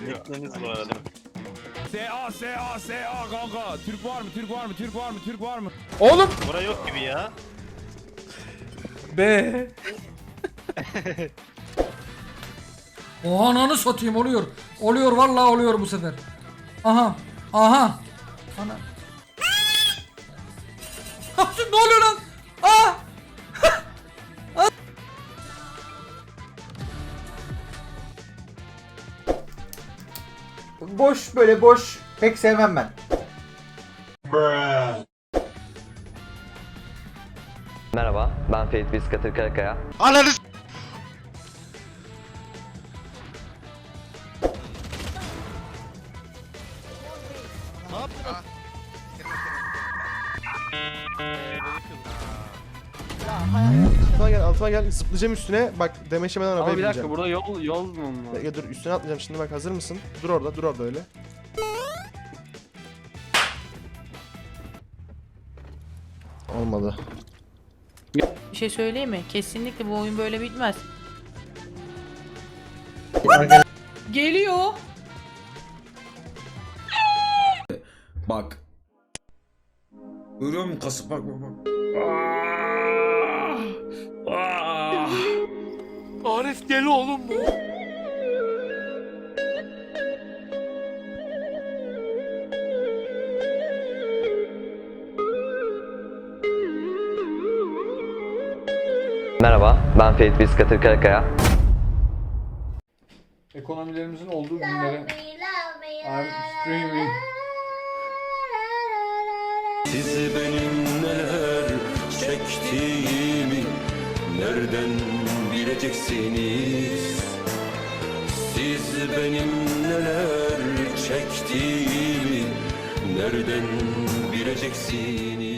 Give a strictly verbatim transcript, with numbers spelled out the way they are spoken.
Nickleriniz bu arada. S A S A S A kanka. Türk var mı? Türk var mı? Türk var mı? Türk var mı? Oğlum. Bura yok gibi ya. Be. Oha ananı satayım oluyor. Oluyor vallahi oluyor bu sefer. Aha. Aha. Ana. Ne oluyor lan? Aa! Boş böyle boş pek sevmem ben. Merhaba, ben Ferit Biskatır Karakaya. Ananı Altıma gel, altıma gel. Zıplayacağım üstüne. Bak demeçlemeden arabaya Ama bir bineceğim. dakika burada yol yol mu var? Ya dur üstüne atlayacağım şimdi bak hazır mısın? Dur orada, dur orada öyle. Olmadı. Bir şey söyleyeyim mi? Kesinlikle bu oyun böyle bitmez. Geliyor. Bak. Görüyor musun kasıp bak bak bak. Arif deli oğlum bu. Merhaba, ben Ferit Biskatır Karakaya. Ekonomilerimizin olduğu günlere I'm streaming. Siz benim neler çektiğimi nereden bileceksiniz? Siz benim neler çektiğimi nereden bileceksiniz?